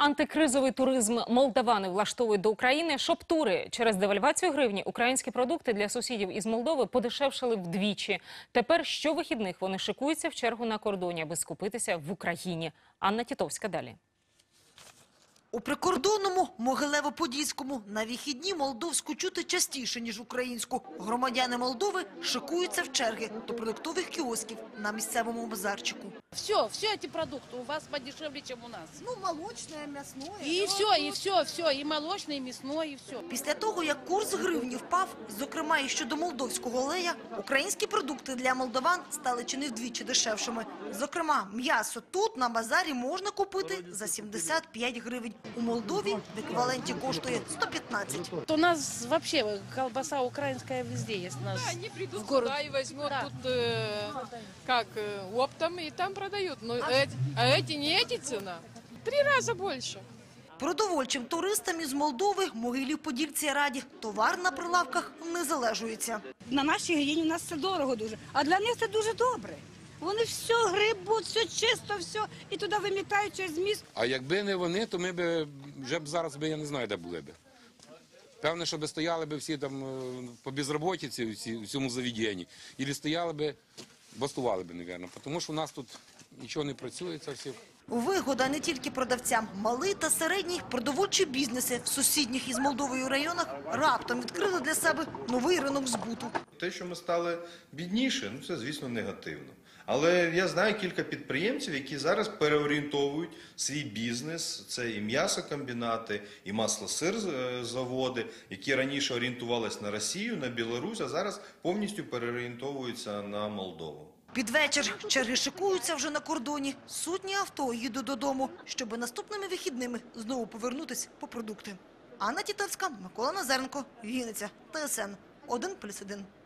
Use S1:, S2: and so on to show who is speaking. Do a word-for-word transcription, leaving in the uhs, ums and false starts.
S1: Антикризовий туризм молдавани влаштовують до України. Шоп-тури. Через девальвацію гривні українські продукти для сусідів із Молдови подешевшали вдвічі. Тепер щовихідних вони шикуються в чергу на кордоні, аби скупитися в Україні. Анна Тітовська далі.
S2: У прикордонному Могилево-Подільському на вихідні молдовську чути частіше, ніж українську. Громадяни Молдови шикуються в черги до продуктових кіосків на місцевому базарчику.
S3: Все, все эти продукты у вас подешевле, чем у нас.
S4: Ну, молочное, мясное.
S3: И все, и все, все, и молочное, и мясное, и все.
S2: Після того, як курс гривні впав, зокрема і щодо молдовського олея, українські продукти для молдаван стали чи не вдвічі дешевшими. Зокрема, м'ясо тут на базарі можна купити за сімдесят п'ять гривень. У Молдові в еквіваленті коштує сто п'ятнадцять.
S3: У нас вообще колбаса украинская везде есть. У нас
S5: Да, они придут
S3: в город.
S5: сюда и возьмут
S3: Да.
S5: тут э, как э, оптом и там продают. Но эти, а эти не эти цена. Три раза больше.
S2: Продовольчим туристам із Молдови Могилів-Подільці раді. Товар на прилавках не залежується.
S6: На нашій гривні у нас все дорого дуже, а для них це дуже добре. Вони все грибуть, все чисто, все, і туди вимітають через міст.
S7: А якби не вони, то ми б вже б зараз би, я не знаю, де були б. Певне, що би стояли б всі там е, по безробітці в цьому заведенні, і стояли б, бастували б, мабуть, тому що у нас тут нічого не працює, це все.
S2: Вигода не тільки продавцям. Малий та середній продовольчі бізнеси в сусідніх із Молдовою районах раптом відкрили для себе новий ринок збуту.
S8: Те, що ми стали бідніше, ну це, звісно, негативно. Але я знаю кілька підприємців, які зараз переорієнтовують свій бізнес. Це і м'ясокомбінати, і масло-сир-заводи, які раніше орієнтувалися на Росію, на Білорусь, а зараз повністю переорієнтовуються на Молдову.
S2: Під вечір черги шикуються вже на кордоні. Сотні авто їдуть додому, щоб наступними вихідними знову повернутися по продукти. Анна Тітовська, Микола Назаренко, Вінниця, Т С Н один плюс один.